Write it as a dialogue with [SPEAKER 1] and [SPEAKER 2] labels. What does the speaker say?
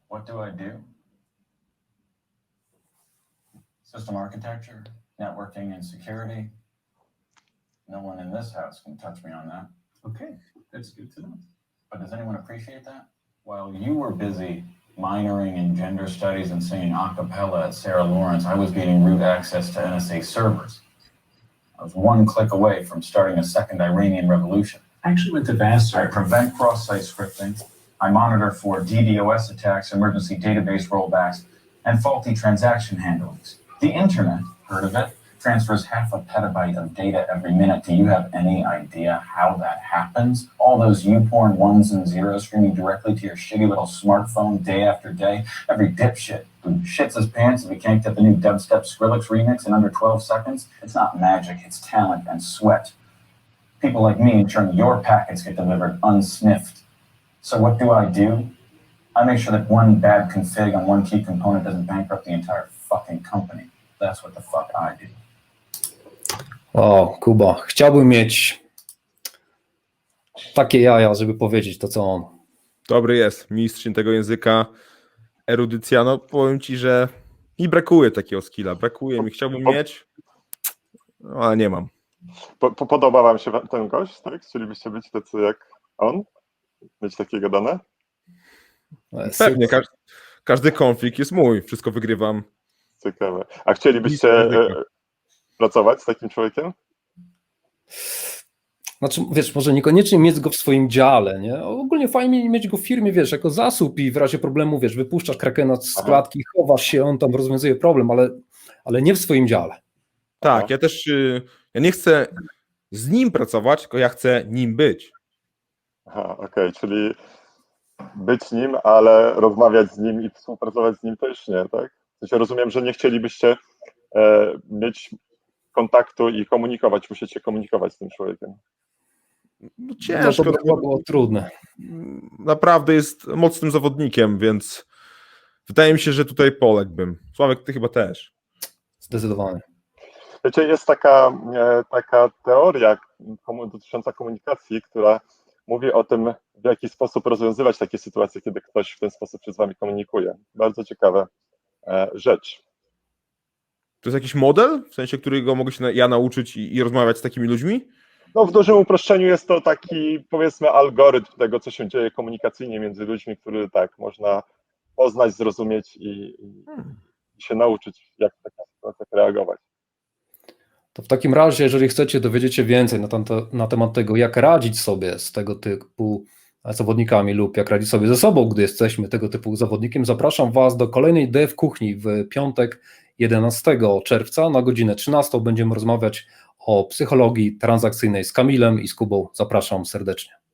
[SPEAKER 1] What do I do? System architecture, networking, and security. No one in this house can touch me on that.
[SPEAKER 2] Okay, that's good to know.
[SPEAKER 1] But does anyone appreciate that? While you were busy minoring in gender studies and singing a cappella at Sarah Lawrence, I was gaining root access to NSA servers. I was one click away from starting a second Iranian revolution.
[SPEAKER 2] I actually went to Vassar.
[SPEAKER 1] I prevent cross-site scripting. I monitor for DDoS attacks, emergency database rollbacks, and faulty transaction handlings. The internet, heard of it, transfers 0.5 petabyte of data every minute. Do you have any idea how that happens? All those YouPorn ones and zeros streaming directly to your shitty little smartphone day after day. Every dipshit who shits his pants if he can't get the new dubstep Skrillex remix in under 12 seconds. It's not magic, it's talent and sweat. People like me ensuring your packets get delivered unsniffed. So what do? I make sure that one bad config on one key component doesn't bankrupt the entire fucking company. That's what the fuck I do.
[SPEAKER 3] O, Kuba, chciałbym mieć takie jaja, żeby powiedzieć to, co on.
[SPEAKER 4] Dobry jest, mistrz tego języka, erudycja. No powiem ci, że mi brakuje takiego skilla, brakuje mi, chciałbym mieć, no, ale nie mam.
[SPEAKER 5] Podoba wam się ten gość, tak? Chcielibyście być tacy jak on? Mieć takiego dane?
[SPEAKER 4] Pewnie, każdy konflikt jest mój, wszystko wygrywam.
[SPEAKER 5] Ciekawe. A chcielibyście pracować z takim człowiekiem?
[SPEAKER 3] Znaczy, wiesz, może niekoniecznie mieć go w swoim dziale, nie? Ogólnie fajnie mieć go w firmie, wiesz, jako zasób i w razie problemu, wiesz, wypuszczasz krakena z klatki, chowasz się, on tam rozwiązuje problem, ale nie w swoim dziale.
[SPEAKER 4] Tak, ja też, ja nie chcę z nim pracować, tylko ja chcę nim być.
[SPEAKER 5] Aha, okej, czyli być nim, ale rozmawiać z nim i współpracować z nim też nie, tak? W sensie rozumiem, że nie chcielibyście mieć kontaktu i komunikować, musicie komunikować z tym człowiekiem.
[SPEAKER 4] No ciężko.
[SPEAKER 3] No to było trudne.
[SPEAKER 4] Naprawdę jest mocnym zawodnikiem, więc wydaje mi się, że tutaj poległbym. Sławek, ty chyba też.
[SPEAKER 3] Zdecydowanie.
[SPEAKER 5] Wiecie, jest taka teoria dotycząca komunikacji, która mówi o tym, w jaki sposób rozwiązywać takie sytuacje, kiedy ktoś w ten sposób się z wami komunikuje. Bardzo ciekawa rzecz.
[SPEAKER 4] To jest jakiś model, w sensie, którego mogę się ja nauczyć i rozmawiać z takimi ludźmi?
[SPEAKER 5] No w dużym uproszczeniu jest to taki, powiedzmy, algorytm tego, co się dzieje komunikacyjnie między ludźmi, który tak można poznać, zrozumieć i się nauczyć, jak w takich sytuacjach reagować.
[SPEAKER 3] To w takim razie, jeżeli chcecie dowiedzieć się więcej na temat tego, jak radzić sobie z tego typu zawodnikami lub jak radzić sobie ze sobą, gdy jesteśmy tego typu zawodnikiem, zapraszam Was do kolejnej Dev Kuchni w piątek 11 czerwca na godzinę 13. Będziemy rozmawiać o psychologii transakcyjnej z Kamilem i z Kubą. Zapraszam serdecznie.